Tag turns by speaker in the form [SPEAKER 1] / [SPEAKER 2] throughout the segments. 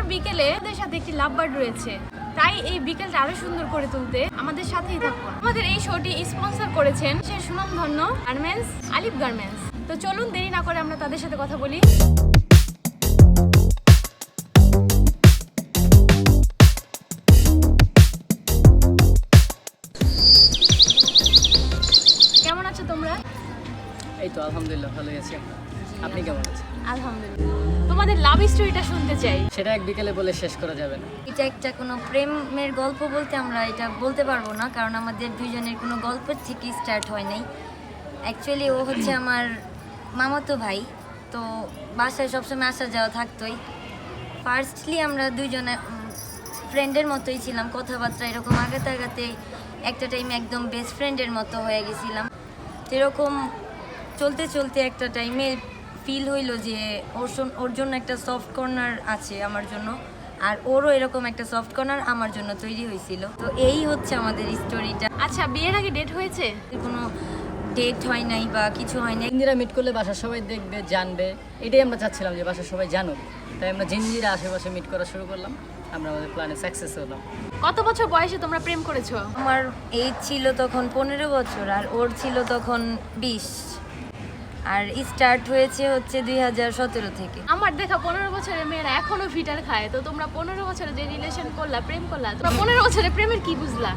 [SPEAKER 1] বিকেলে আমাদের সাথে একটি লাভ বার্ড রয়েছে, তাই এই বিকেলটা আরো সুন্দর করে তুলতে আমাদের সাথেই থাকুন। আমাদের এই শোটি স্পন্সর করেছেন সে সুনামধন্য গার্মেন্টস আলিফ গার্মেন্টস। তো চলুন দেরি না করে আমরা তাদের সাথে কথা বলি। কেমন আছো তোমরা?
[SPEAKER 2] এই তো আলহামদুলিল্লাহ ভালোই আছি। আপনি কেমন আছেন?
[SPEAKER 1] আলহামদুলিল্লাহ। তোমাদের লাভ স্টোরিটা শুনতে চাই।
[SPEAKER 2] সেটা এক বিকেলে বলে শেষ করা যাবে না।
[SPEAKER 3] এটা একটা কোনো প্রেমের গল্প বলতে আমরা এটা বলতে পারবো না, কারণ আমাদের দুইজনের কোনো গল্প থেকে স্টার্ট হয় নাই। অ্যাকচুয়ালি ও হচ্ছে আমার মামাতো ভাই, তো বাসায় সবসময় আসা যাওয়া থাকতোই। ফার্স্টলি আমরা দুইজনে ফ্রেন্ডের মতোই ছিলাম, কথাবার্তা এরকম আগাতে আগাতে একটা টাইমে একদম বেস্ট ফ্রেন্ডের মতো হয়ে গেছিলাম। এরকম চলতে চলতে একটা টাইমে ফিল হইলো যে ওর জন্য একটা সফট কর্নার আছে আমার জন্য, আর ওরও এরকম একটা সফট কর্নার আমার জন্য তৈরি হয়েছিল। তো এই হচ্ছে আমাদের স্টোরিটা।
[SPEAKER 1] আচ্ছা, বিয়ের আগে ডেট হয়েছে?
[SPEAKER 3] কোনো ডেট হয় নাই বা কিছু হয় নাই।
[SPEAKER 2] জিঞ্জিরা মিট করলে বাসার সবাই দেখবে, জানবে, এটাই আমরা চাচ্ছিলাম যে বাসার সবাই জানুক। তাই আমরা জিঞ্জিরা আশেপাশে মিট করা শুরু করলাম। আমরা আমাদের প্ল্যানে সাকসেস হলাম।
[SPEAKER 1] কত বছর বয়সে তোমরা প্রেম করেছো?
[SPEAKER 3] আমার এজ ছিল তখন 15 বছর আর ওর ছিল তখন 20, আর স্টার্ট হয়েছে হচ্ছে 2017 থেকে।
[SPEAKER 1] আমার দেখা 15 বছরের মেয়েরা এখনো ফিটার খায়, তো তোমরা 15 বছরে যে রিলেশন করলা, প্রেম করলা, তোমরা 15 বছরে প্রেমের কি বুঝলা?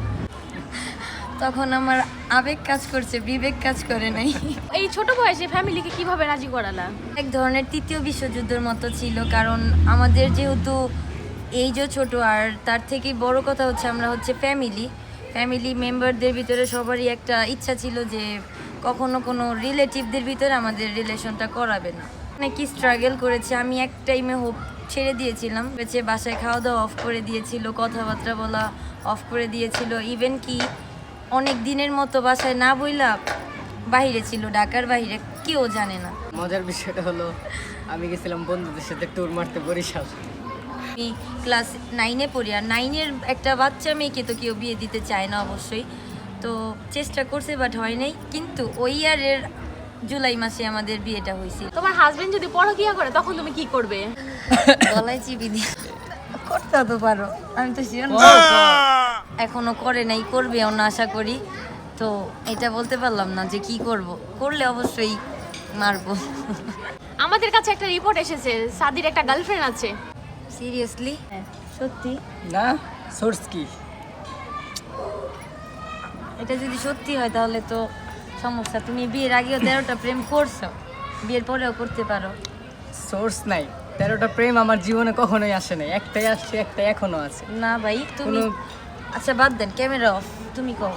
[SPEAKER 3] তখন আমার আবেগ কাজ করছে, বিবেক কাজ করে নাই।
[SPEAKER 1] এই ছোট বয়সে ফ্যামিলিকে কিভাবে রাজি করালা?
[SPEAKER 3] এক ধরনের তৃতীয় বিশ্বযুদ্ধের মতো ছিল, কারণ আমাদের যেহেতু এইজও ছোট, আর তার থেকে বড় কথা হচ্ছে আমরা হচ্ছে ফ্যামিলি মেম্বারদের ভিতরে সবারই একটা ইচ্ছা ছিল যে কখনো কোনো রিলেটিভদের ভিতরে আমাদের রিলেশনটা করাবে না। অনেক স্ট্রাগল করেছি আমি, এক টাইমে হোপ ছেড়ে দিয়েছিলাম, বাসায় খাওয়া দাওয়া অফ করে দিয়েছিল, কথাবার্তা বলা অফ করে দিয়েছিল, ইভেন কি অনেক দিনের মতো বাসায় না বইলা বাইরে ছিল, ঢাকার বাইরে, কেউ জানে না।
[SPEAKER 2] মজার বিষয়টা হলো আমি গেছিলাম বন্ধুদের সাথে ট্যুর মারতে বরিশাল।
[SPEAKER 3] আমি ক্লাস 9-এ পড়ি, আর 9-এর একটা বাচ্চা মেয়েকে তো কেউ বিয়ে দিতে চায় না অবশ্যই। তো চেষ্টা করছে বাট হয় নাই, কিন্তু ওই ইয়ারের জুলাই মাসে আমাদের বিয়েটা হয়েছিল।
[SPEAKER 1] তোমার হাজবেন্ড যদি পরকিয়া করে তখন তুমি কি করবে?
[SPEAKER 3] গলায় চিপি দিয়ে করতে তো পারো, আমি তো শিওর এখনো করে নাই, করবেও না আশা করি। তো এটা বলতে পারলাম না যে কি করব, করলে অবশ্যই মারবো।
[SPEAKER 1] আমাদের কাছে একটা রিপোর্ট এসেছে সাদির একটা গার্লফ্রেন্ড আছে।
[SPEAKER 3] সিরিয়াসলি? সত্যি?
[SPEAKER 2] না, সোর্স কি?
[SPEAKER 3] এটা যদি সত্যি হয় তাহলে তো সমস্যা। তুমি বিয়ের আগেও 13টা প্রেম করছো, বিয়ের পরেও করতে পারো।
[SPEAKER 2] সোর্স নাই। 13টা প্রেম আমার জীবনে কখনোই আসে নাই, একটাই আসছে, একটাই এখনো আছে।
[SPEAKER 3] না ভাই তুমি, আচ্ছা বাদ দেন, ক্যামেরা অফ, তুমি কও।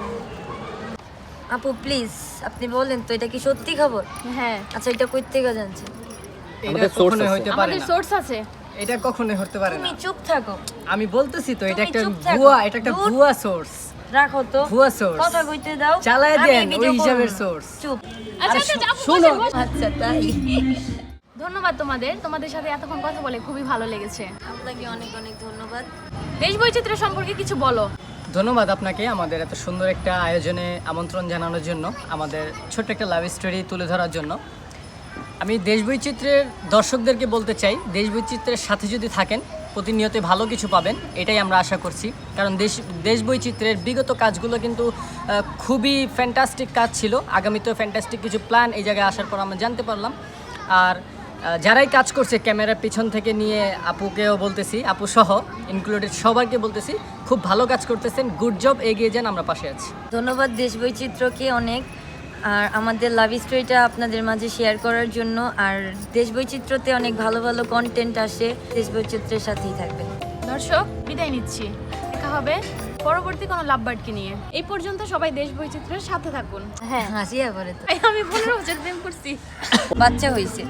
[SPEAKER 3] আপু প্লিজ আপনি বলেন তো, এটা কি সত্যি খবর?
[SPEAKER 1] হ্যাঁ,
[SPEAKER 3] আচ্ছা এটা কই থেকে জানছেন?
[SPEAKER 2] এটা কখনোই হইতে পারে
[SPEAKER 1] আমাদের
[SPEAKER 2] না।
[SPEAKER 1] সোর্স আছে।
[SPEAKER 2] এটা কখনোই হতে পারে না।
[SPEAKER 3] তুমি চুপ থাকো।
[SPEAKER 2] আমি বলতেছি তো, এটা
[SPEAKER 3] তুমি
[SPEAKER 2] একটা
[SPEAKER 3] চুপ থাকো।
[SPEAKER 2] ভুয়া, এটা একটা
[SPEAKER 3] দূর।
[SPEAKER 2] ভুয়া সোর্স।
[SPEAKER 3] রাখো তো,
[SPEAKER 2] ভুয়া source।
[SPEAKER 3] কথা কইতে দাও,
[SPEAKER 2] চালায়
[SPEAKER 3] আমি
[SPEAKER 2] দেন
[SPEAKER 3] ভিডিও
[SPEAKER 2] ওই
[SPEAKER 3] করব
[SPEAKER 2] হিসাবের
[SPEAKER 3] না।
[SPEAKER 2] source।
[SPEAKER 3] চুপ।
[SPEAKER 1] আচ্ছা আচ্ছা, আপু
[SPEAKER 2] শোনো।
[SPEAKER 1] বসেন, বসেন।
[SPEAKER 3] আচ্ছা তাই?
[SPEAKER 1] ধন্যবাদ তোমাদের সাথে এতক্ষণ কথা বলে খুবই ভালো লেগেছে।
[SPEAKER 3] আপনাকে অনেক অনেক ধন্যবাদ।
[SPEAKER 1] দেশ বৈচিত্র্য সম্পর্কে কিছু বলো।
[SPEAKER 2] ধন্যবাদ আপনাকে আমাদের এত সুন্দর একটা আয়োজনে আমন্ত্রণ জানানোর জন্য, আমাদের ছোট্ট একটা লাভ স্টোরি তুলে ধরার জন্য। আমি দেশ বৈচিত্র্যের দর্শকদেরকে বলতে চাই, দেশ বৈচিত্র্যের সাথে যদি থাকেন প্রতিনিয়তই ভালো কিছু পাবেন, এটাই আমরা আশা করছি। কারণ দেশ বৈচিত্র্যের বিগত কাজগুলো কিন্তু খুবই ফ্যান্টাস্টিক কাজ ছিল। আগামীতেও ফ্যান্টাস্টিক কিছু প্ল্যান এই জায়গায় আসার পর আমরা জানতে পারলাম। আর যারাই কাজ করছে ক্যামেরার পিছন থেকে নিয়ে, আপুকেও বলতেছি, আপু সহ ইনক্লুডেড সবাইকে বলতেছি, খুব ভালো কাজ করতেছেন, গুড জব, এগিয়ে যান, আমরা পাশে আছি।
[SPEAKER 3] ধন্যবাদ দেশ বৈচিত্র্যকে অনেক, আর আমাদের লাভ স্টোরিটা আপনাদের মাঝে শেয়ার করার জন্য। আর দেশ বৈচিত্র্যতে অনেক ভালো ভালো কন্টেন্ট আসে, দেশ বৈচিত্র্যের সাথেই থাকবে।
[SPEAKER 1] দর্শক বিদায় নিচ্ছি, দেখা হবে পরবর্তী কোনো লাভ বার্ডকে নিয়ে। এই পর্যন্ত সবাই দেশ বৈচিত্র্যের সাথে থাকুন।
[SPEAKER 3] হ্যাঁ হাসিয়া করে তো,
[SPEAKER 1] আমি 15 বছর প্রেম করছি।
[SPEAKER 3] বাচ্চা হয়েছে,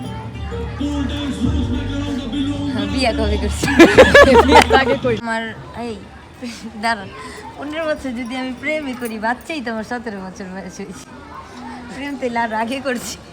[SPEAKER 3] বিয়া কবে করছি? আমার এই দাঁড়ান, 15 বছর যদি আমি প্রেমই করি, বাচ্চাই তো আমার 17 বছর বয়স হয়েছে। প্রেম তো আর আগে করছি।